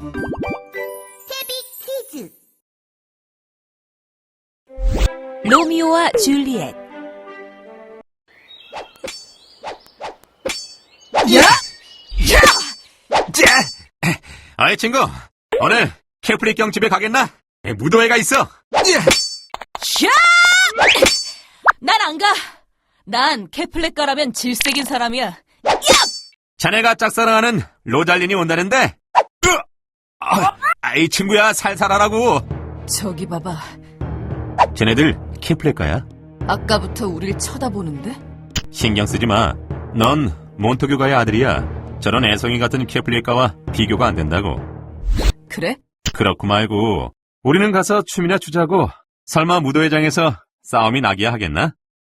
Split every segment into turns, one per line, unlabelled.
태비 퀴즈.
로미오와 줄리엣.
야! 야! 자! 어이 친구, 오늘 캐프리경 집에 가겠나? 무도회가 있어.
샤! 난 안 가. 난 캐플렛가라면 질색인 사람이야.
자네가 짝사랑하는 로잘린이 온다는데? 아이 친구야, 살살하라고.
저기 봐봐.
쟤네들 캐플렛가야?
아까부터 우릴 쳐다보는데?
신경 쓰지 마. 넌 몬토교가의 아들이야. 저런 애송이 같은 캐플렛가와 비교가 안 된다고.
그래?
그렇고 말고 우리는 가서 춤이나 추자고. 설마 무도회장에서 싸움이 나기야 하겠나?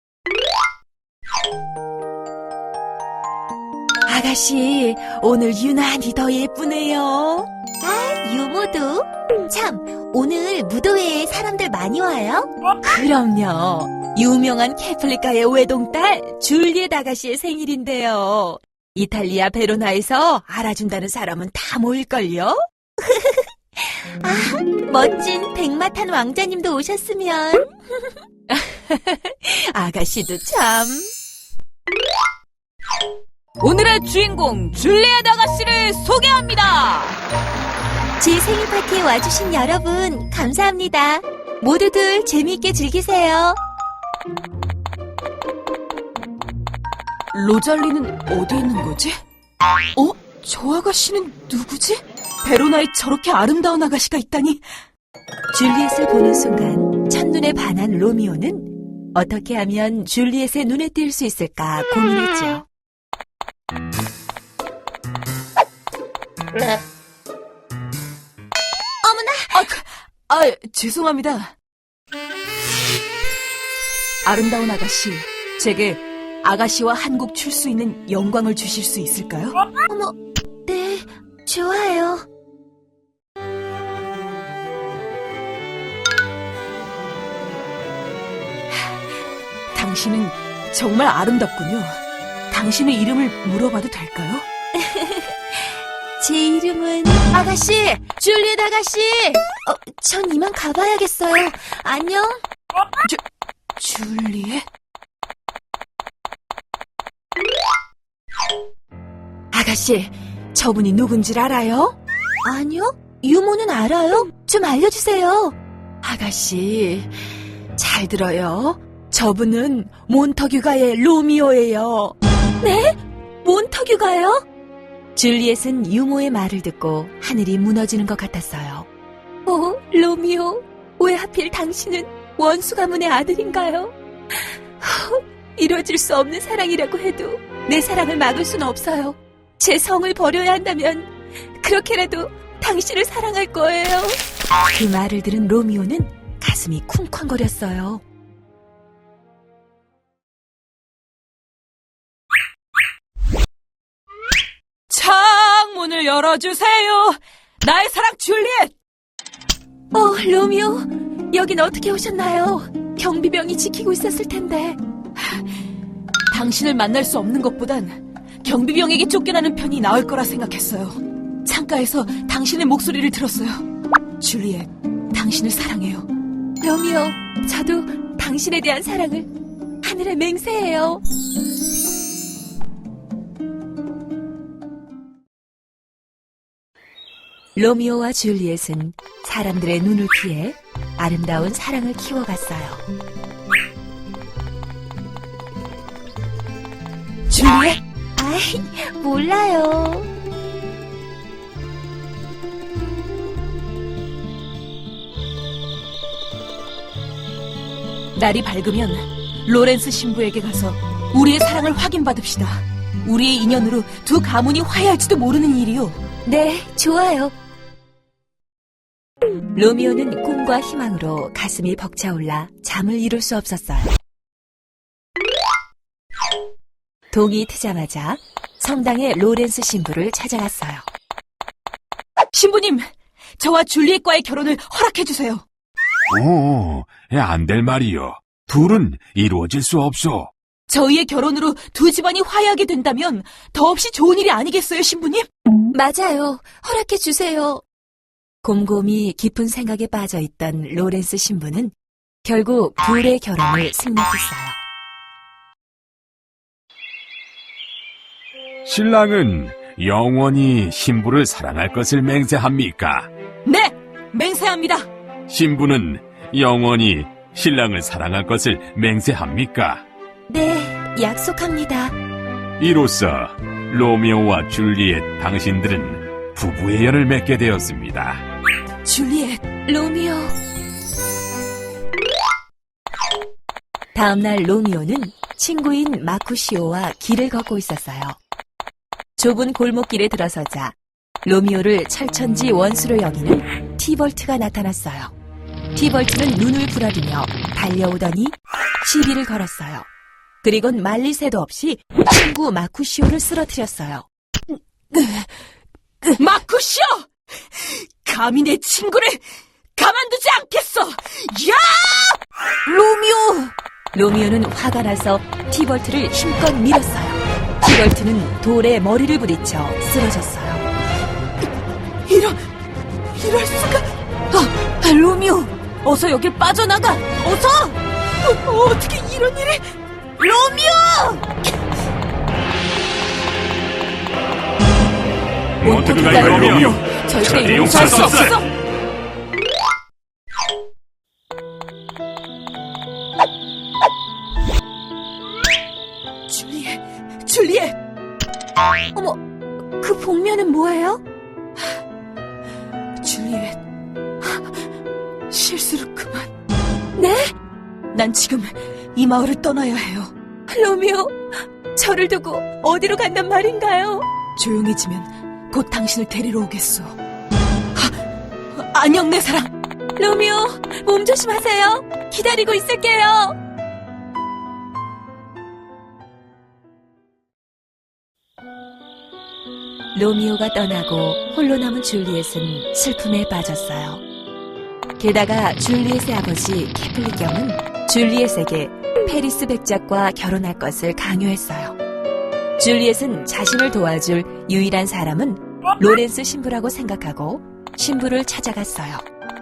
아가씨, 오늘 유난히 더 예쁘네요.
유모도? 참, 오늘 무도회에 사람들 많이 와요?
그럼요. 유명한 캐플릿가의 외동딸 줄리엣 아가씨의 생일인데요. 이탈리아 베로나에서 알아준다는 사람은 다 모일걸요?
멋진 백마탄 왕자님도 오셨으면.
아가씨도 참. 오늘의 주인공 줄리엣 아가씨를 소개합니다.
제 생일 파티에 와주신 여러분, 감사합니다. 모두들 재미있게 즐기세요.
로잘리는 어디 있는 거지? 저 아가씨는 누구지? 베로나에 저렇게 아름다운 아가씨가 있다니. 줄리엣을 보는 순간 첫눈에 반한 로미오는 어떻게 하면 줄리엣의 눈에 띌 수 있을까 고민했죠. 어머나! 죄송합니다. 아름다운 아가씨, 제게 아가씨와 한 곡 출 수 있는 영광을 주실 수 있을까요?
어머, 네, 좋아요.
당신은 정말 아름답군요. 당신의 이름을 물어봐도 될까요?
제 이름은 아가씨, 줄리엣 아가씨. 전 이만 가봐야겠어요. 안녕.
줄리엣? 아가씨, 저분이 누군지 알아요?
아니요? 유모는 알아요? 좀 알려주세요.
아가씨, 잘 들어요. 저분은 몬터규가의 로미오예요.
네? 몬터규가요?
줄리엣은 유모의 말을 듣고 하늘이 무너지는 것 같았어요.
로미오, 왜 하필 당신은 원수 가문의 아들인가요? 이루어질 수 없는 사랑이라고 해도 내 사랑을 막을 수는 없어요. 제 성을 버려야 한다면 그렇게라도 당신을 사랑할 거예요.
그 말을 들은 로미오는 가슴이 쿵쾅거렸어요. 창문을 열어주세요. 나의 사랑 줄리엣.
로미오, 여긴 어떻게 오셨나요? 경비병이 지키고 있었을 텐데.
당신을 만날 수 없는 것보단 경비병에게 쫓겨나는 편이 나을 거라 생각했어요. 창가에서 당신의 목소리를 들었어요. 줄리엣, 당신을 사랑해요.
로미오, 저도 당신에 대한 사랑을 하늘에 맹세해요.
로미오와 줄리엣은 사람들의 눈을 피해 아름다운 사랑을 키워갔어요. 줄리엣?
몰라요.
날이 밝으면 로렌스 신부에게 가서 우리의 사랑을 확인받읍시다. 우리의 인연으로 두 가문이 화해할지도 모르는 일이요.
네, 좋아요.
로미오는 꿈과 희망으로 가슴이 벅차올라 잠을 이룰 수 없었어요. 동이 트자마자 성당의 로렌스 신부를 찾아갔어요. 신부님, 저와 줄리엣과의 결혼을 허락해주세요.
안 될 말이요. 둘은 이루어질 수 없어.
저희의 결혼으로 두 집안이 화해하게 된다면 더없이 좋은 일이 아니겠어요, 신부님?
맞아요. 허락해 주세요. 곰곰이 깊은 생각에 빠져있던 로렌스 신부는 결국 둘의 결혼을 승낙했어요.
신랑은 영원히 신부를 사랑할 것을 맹세합니까?
네, 맹세합니다.
신부는 영원히 신랑을 사랑할 것을 맹세합니까?
네, 약속합니다.
이로써 로미오와 줄리엣 당신들은 부부의 연을 맺게 되었습니다.
줄리엣,
로미오. 다음날 로미오는 친구인 마쿠시오와 길을 걷고 있었어요. 좁은 골목길에 들어서자 로미오를 철천지 원수로 여기는 티벌트가 나타났어요. 티벌트는 눈을 부라리며 달려오더니 시비를 걸었어요. 그리곤 말릴 새도 없이 친구 마쿠시오를 쓰러뜨렸어요.
마쿠시오! 감히 내 친구를 가만두지 않겠어! 야! 로미오!
로미오는 화가 나서 티벌트를 힘껏 밀었어요. 티벌트는 돌에 머리를 부딪혀 쓰러졌어요.
이럴 수가! 로미오! 어서 여길 빠져나가! 어서! 어떻게 이런 일을! 로미오!
몬테그가의 로미오!
절대 용서할 수 없어! 줄리엣!
어머, 그 복면은 뭐예요?
줄리엣, 실수를 그만.
네?
난 지금 이 마을을 떠나야 해요.
로미오, 저를 두고 어디로 간단 말인가요?
조용해지면 곧 당신을 데리러 오겠소. 안녕, 내 사랑.
로미오, 몸 조심하세요. 기다리고 있을게요. 로미오가 떠나고 홀로 남은 줄리엣은 슬픔에 빠졌어요. 게다가 줄리엣의 아버지 캐플릭경은 줄리엣에게 페리스 백작과 결혼할 것을 강요했어요. 줄리엣은 자신을 도와줄 유일한 사람은 로렌스 신부라고 생각하고 신부를 찾아갔어요.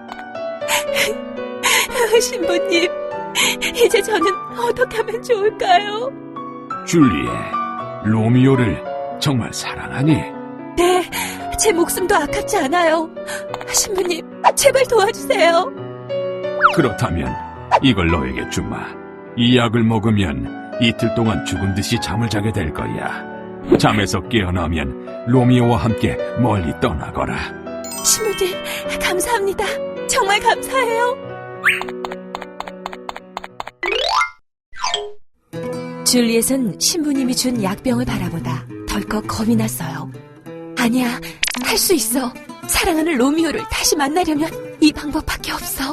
신부님, 이제 저는 어떻게 하면 좋을까요?
줄리엣, 로미오를 정말 사랑하니?
네, 제 목숨도 아깝지 않아요. 신부님, 제발 도와주세요.
그렇다면 이걸 너에게 주마. 이 약을 먹으면 이틀 동안 죽은 듯이 잠을 자게 될 거야. 잠에서 깨어나면 로미오와 함께 멀리 떠나거라.
신부님, 감사합니다. 정말 감사해요. 줄리엣은 신부님이 준 약병을 바라보다 덜컥 겁이 났어요. 아니야, 할 수 있어. 사랑하는 로미오를 다시 만나려면 이 방법밖에 없어.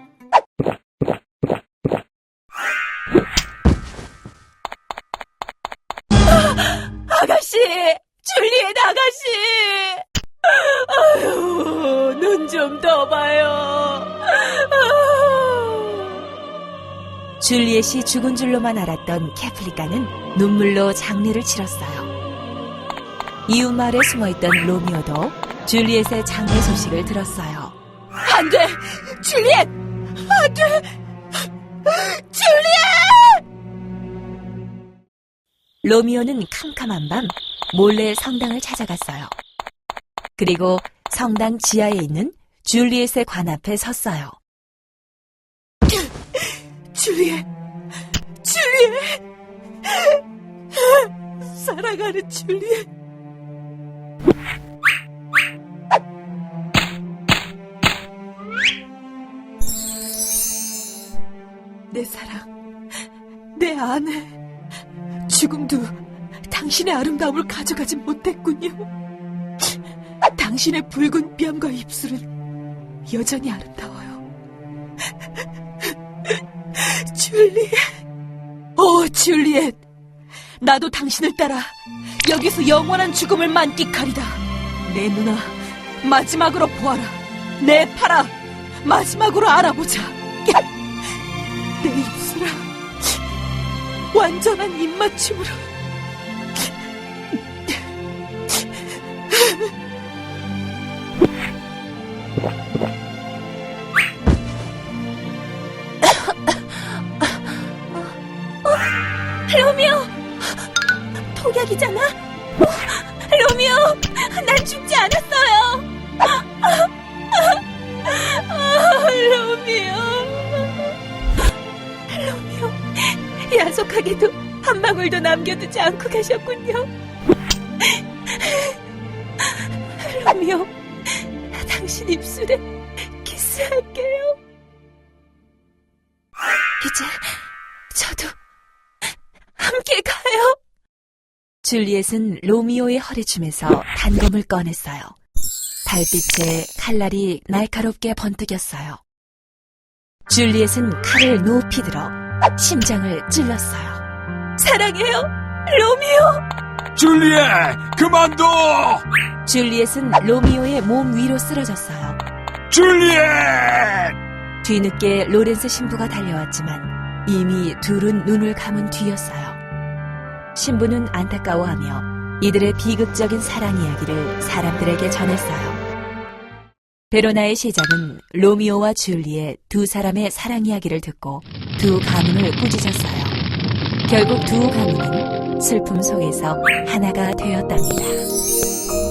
아가씨! 줄리엣 아가씨! 아유, 눈 좀 떠봐요. 줄리엣이 죽은 줄로만 알았던 캐플리카는 눈물로 장례를 치렀어요. 이웃 마을에 숨어있던 로미오도 줄리엣의 장례 소식을 들었어요.
안 돼! 줄리엣! 안 돼! 줄리엣!
로미오는 캄캄한 밤 몰래 성당을 찾아갔어요. 그리고 성당 지하에 있는 줄리엣의 관 앞에 섰어요.
줄리엣! 줄리엣! 사랑하는 줄리엣! 내 사랑, 내 아내, 죽음도 당신의 아름다움을 가져가지 못했군요. 당신의 붉은 뺨과 입술은 여전히 아름다워요. 줄리엣, 오 줄리엣, 나도 당신을 따라 여기서 영원한 죽음을 만끽하리다. 내 누나, 마지막으로 보아라. 내 팔아, 마지막으로 알아보자. 내 입술아, 완전한 입맞춤으로.
로미오! 독약이잖아? 로미오! 난 죽지 않았어요! 로미오! 로미오, 야속하게도 한 방울도 남겨두지 않고 가셨군요. 로미오, 당신 입술에 키스할게요. 이제 저도 함께 가요. 줄리엣은 로미오의 허리춤에서 단검을 꺼냈어요. 달빛에 칼날이 날카롭게 번뜩였어요. 줄리엣은 칼을 높이 들어 심장을 찔렀어요. 사랑해요, 로미오!
줄리엣, 그만둬!
줄리엣은 로미오의 몸 위로 쓰러졌어요.
줄리엣!
뒤늦게 로렌스 신부가 달려왔지만 이미 둘은 눈을 감은 뒤였어요. 신부는 안타까워하며 이들의 비극적인 사랑 이야기를 사람들에게 전했어요. 베로나의 시작은 로미오와 줄리엣 두 사람의 사랑 이야기를 듣고 두 가문을 꾸짖었어요. 결국 두 가문은 슬픔 속에서 하나가 되었답니다.